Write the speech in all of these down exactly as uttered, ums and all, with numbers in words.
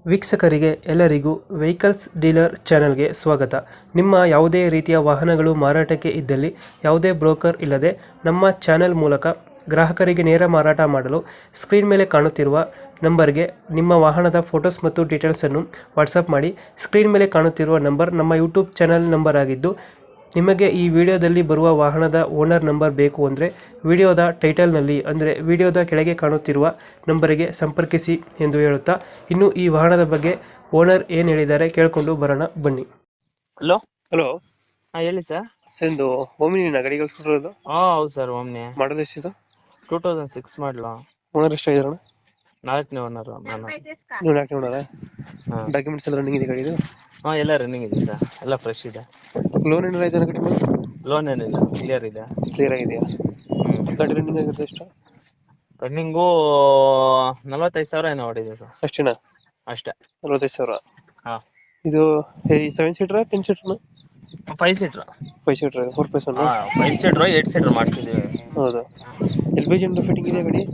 ವೀಕ್ಷಕರಿಗೆ ಎಲ್ಲರಿಗೂ vehicles dealer ಚಾನೆಲ್ಗೆ ಸ್ವಾಗತ. ನಿಮ್ಮ ಯಾವುದೇ ರೀತಿಯ ವಾಹನಗಳು ಮಾರಾಟಕ್ಕೆ ಇದ್ದಲ್ಲಿ ಯಾವುದೇ ಬ್ರೋಕರ್ ಇಲ್ಲದೆ ನಮ್ಮ ಚಾನೆಲ್ ಮೂಲಕ ಗ್ರಾಹಕರಿಗೆ ನೇರ ಮಾರಾಟ ಮಾಡಲು ಸ್ಕ್ರೀನ್ ಮೇಲೆ ಕಾಣುತ್ತಿರುವ ನಂಬರ್ಗೆ ನಿಮ್ಮ ವಾಹನದ ಫೋಟೋಸ್ ಮತ್ತು ಡೀಟೇಲ್ಸನ್ನು ವಾಟ್ಸಪ್ ಮಾಡಿ. ಸ್ಕ್ರೀನ್ ಮೇಲೆ ಕಾಣುತ್ತಿರುವ ನಂಬರ್ ನಮ್ಮ ಯೂಟ್ಯೂಬ್ ಚಾನೆಲ್ ನಂಬರ್ ಆಗಿದ್ದು, ನಿಮಗೆ ಈ ವಿಡಿಯೋದಲ್ಲಿ ಬರುವ ವಾಹನದ ಓನರ್ ನಂಬರ್ ಬೇಕು ಅಂದರೆ ವಿಡಿಯೋದ ಟೈಟಲ್ನಲ್ಲಿ ಅಂದರೆ ವಿಡಿಯೋದ ಕೆಳಗೆ ಕಾಣುತ್ತಿರುವ ನಂಬರಿಗೆ ಸಂಪರ್ಕಿಸಿ ಎಂದು ಹೇಳುತ್ತಾ, ಇನ್ನು ಈ ವಾಹನದ ಬಗ್ಗೆ ಓನರ್ ಏನು ಹೇಳಿದ್ದಾರೆ ಕೇಳಿಕೊಂಡು ಬರೋಣ ಬನ್ನಿ. ಹಲೋ ಹಲೋ, ಹಾ ಹೇಳಿ ಸರ್. ಸರ್ ಒಂದು ಓಮಿನಿನ ಗಾಡಿ ಕಳಿಸ್ಕೊಟ್ಟಿರೋದು, ಹಾ ಹೌದು ಸರ್. ಒಮ್ನೆ ಮಾಡಲ್ ಎಷ್ಟಿದೆ? Two thousand six model. Owner ಎಷ್ಟಾಗಿದಾರಣ? ನಾಲ್ಕನೇ ಓನರ್ ನಾನು. ನೀವು ನಾಲ್ಕು ಓನರ? ಹಾ ಡಾಕ್ಯುಮೆಂಟ್ಸ್ ಎಲ್ಲ ರನ್ನಿಂಗ್ ಇದೆ ಗಾಡಿದು? ಹಾ ಎಲ್ಲ ರನ್ನಿಂಗ್ ಇದೆ ಸರ್, ಎಲ್ಲ ಫ್ರೆಶ್ ಇದೆ. ಲೋನ್ ಏನಾರ ಆಯ್ತಾನ ಗಾಡಿ ಮೇಲೆ? ಲೋನ್ ಏನಿಲ್ಲ, ಕ್ಲಿಯರ್ ಇದೆ. ಕ್ಲಿಯರ್ ಆಗಿದೆಯಾ? ಹ್ಮ್ ಗಾಡಿ ರನ್ನಿಂಗ್ ಆಗಿರುತ್ತೆ ಎಷ್ಟು? ರನ್ನಿಂಗು ನಲವತ್ತೈದು ಸಾವಿರ ಏನೋ ಹೊಡಿದೆ ಸರ್. ಅಷ್ಟೇನಾ? ಅಷ್ಟೇ. ನಲವತ್ತೈದು ಸಾವಿರ. ಹಾ ಇದು seven seater ten seater? Five seater. Five seater four plus one? ಹಾ ಫೈವ್ ಸೀಟ್ರ್ ಏಟ್ ಸೀಟ್ರ್ ಮಾಡ್ಸಿದ್ದೀವಿ. ಹೌದು. ಎಲ್ ಪಿ ಜಿ ಫಿಟ್ಟಿಂಗ್ ಇದೆ ಗಾಡಿ?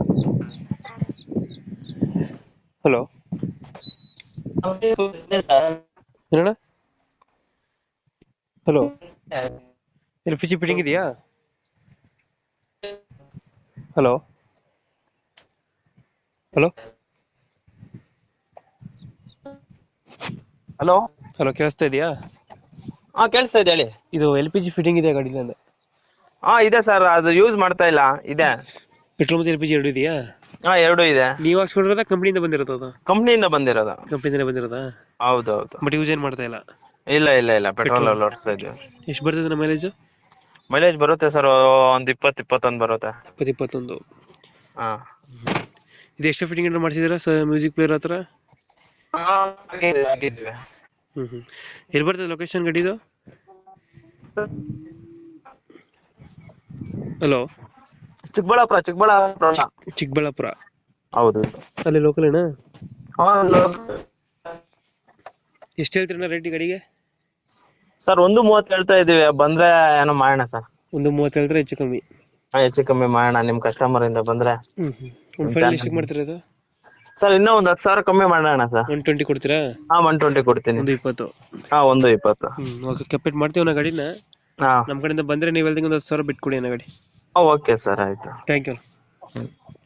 ಹಲೋ ಏನಣ್ಣ? Hello, L P G fitting ಇದೆಯಾ? ಹಲೋ ಹಲೋ ಹಲೋ ಹಲೋ ಕೇಳಿಸ್ತಾ ಇದೆಯಾ? ಹಾ ಕೇಳಿಸ್ತಾ ಇದೆ ಹೇಳಿ. ಇದು ಎಲ್ ಪಿ ಜಿ ಫಿಟ್ಟಿಂಗ್ ಇದೆ ಗಾಡಿಲಿ ಅಂದೆ. ಹಾ ಇದೆ ಸರ್, ಅದು ಯೂಸ್ ಮಾಡ್ತಾ ಇಲ್ಲ. ಇದೆ ಪೆಟ್ರೋಲ್ ಮತ್ತು ಎಲ್ ಪಿ ಜಿ ಎರಡು ಇದೆಯಾ? ಹಾ ಎರಡು ಇದೆ. ನೀವು ಹಾಕ್ಸ್ಕೊಂಡಿರೋದ ಕಂಪ್ನಿಯಿಂದ ಬಂದಿರೋದು? ಅದು ಕಂಪ್ನಿಯಿಂದ ಬಂದಿರೋದು. ಕಂಪ್ನಿಯಿಂದ ಬಂದಿರೋದಾ? ಹೌದೌದು. ಬಟ್ ಯೂಸ್ ಏನು ಮಾಡ್ತಾ ಇಲ್ಲ? ಇಲ್ಲ ಇಲ್ಲ ಇಲ್ಲ ಪೆಟ್ರೋಲ್ ಅಲ್ಲಿ ಓಡಿಸ್ತಾ ಇದ್ವಿ. ಎಷ್ಟು ಬರ್ತದೆ ನಮ್ಮ ಮೈಲೇಜ್? ಮೈಲೇಜ್ ಬರುತ್ತೆ ಸರ್, ಒಂದ್ ಇಪ್ಪತ್ತು ಇಪ್ಪತ್ತೊಂದು ಬರುತ್ತೆ. ಇಪ್ಪತ್ತು ಇಪ್ಪತ್ತೊಂದು. ಹಾ ಇದು ಎಷ್ಟು ಫಿಟ್ಟಿಂಗ್ ಏನಾರು ಮಾಡಿಸಿದ್ದೀರಾ ಸರ್ ಮ್ಯೂಸಿಕ್ ಪ್ಲೇಯರ್ ಹತ್ರ? ಆಗಿದ್ವಿ. ಹ್ಮ್ ಹ್ಮ್ ಎಲ್ಲಿ ಬರ್ತದೆ ಲೊಕೇಶನ್ ಗಾಡಿದು? ಹಲೋ, ಚಿಕ್ಕಬಳ್ಳಾಪುರ. ಚಿಕ್ಕಬಳ್ಳಾಪುರ ಚಿಕ್ಕಬಳ್ಳಾಪುರ. ಹೌದು. ಅಲ್ಲಿ ಲೋಕಲ್ ಏನಾ? ಎಷ್ಟು ಹೇಳ್ತೀರಣ್ಣ ರೇಟ್ ಗಾಡಿಗೆ? ಸರ್ ಒಂದು ಮೂವತ್ತು ಹೇಳ್ತಾ ಇದೀವಿ, ಬಂದ್ರೆ ಏನೋ ಮಾಡೋಣ ಸರ್. ಒಂದು ಮೂವತ್ತು ಹೇಳಿದ್ರೆ ಹೆಚ್ಚು ಕಮ್ಮಿ? ಹಾ ಹೆಚ್ಚು ಕಮ್ಮಿ ಮಾಡೋಣ, ನಿಮ್ ಕಸ್ಟಮರ್ ಇಂದ ಬಂದ್ರೆ. ಹ್ಮ್ ಹ್ಮ್ ಒಂದು ಫೈನಲ್ ಎಷ್ಟಕ್ಕೆ ಮಾಡ್ತೀರಾ ಇದು? ಸರ್ ಇನ್ನೂ ಒಂದ್ ಹತ್ತು ಸಾವಿರ ಕಮ್ಮಿ ಮಾಡೋಣ ಸರ್. ಒನ್ ಟ್ವೆಂಟಿ ಕೊಡ್ತೀರಾ? ಹಾ ಒನ್ ಟ್ವೆಂಟಿ ಕೊಡ್ತೀನಿ. ಒಂದು ಇಪ್ಪತ್ತು? ಹಾ ಒಂದು ಇಪ್ಪತ್ತು. ಹ್ಮ್ ಓಕೆ, ಕಂಪ್ಲೀಟ್ ಮಾಡ್ತೀವಿ ನಾ ಗಾಡಿನ. ಹಾ ನಮ್ಮ ಕಡೆಯಿಂದ ಬಂದ್ರೆ ನೀವು ಹೇಳ್ದಂಗೆ ಒಂದು ಹತ್ತು ಸಾವಿರ ಬಿಟ್ಟು ಕೊಡಿ ಅಣ್ಣ ಗಾಡಿ. ಓಕೆ ಸರ್, ಆಯ್ತು. Thank you.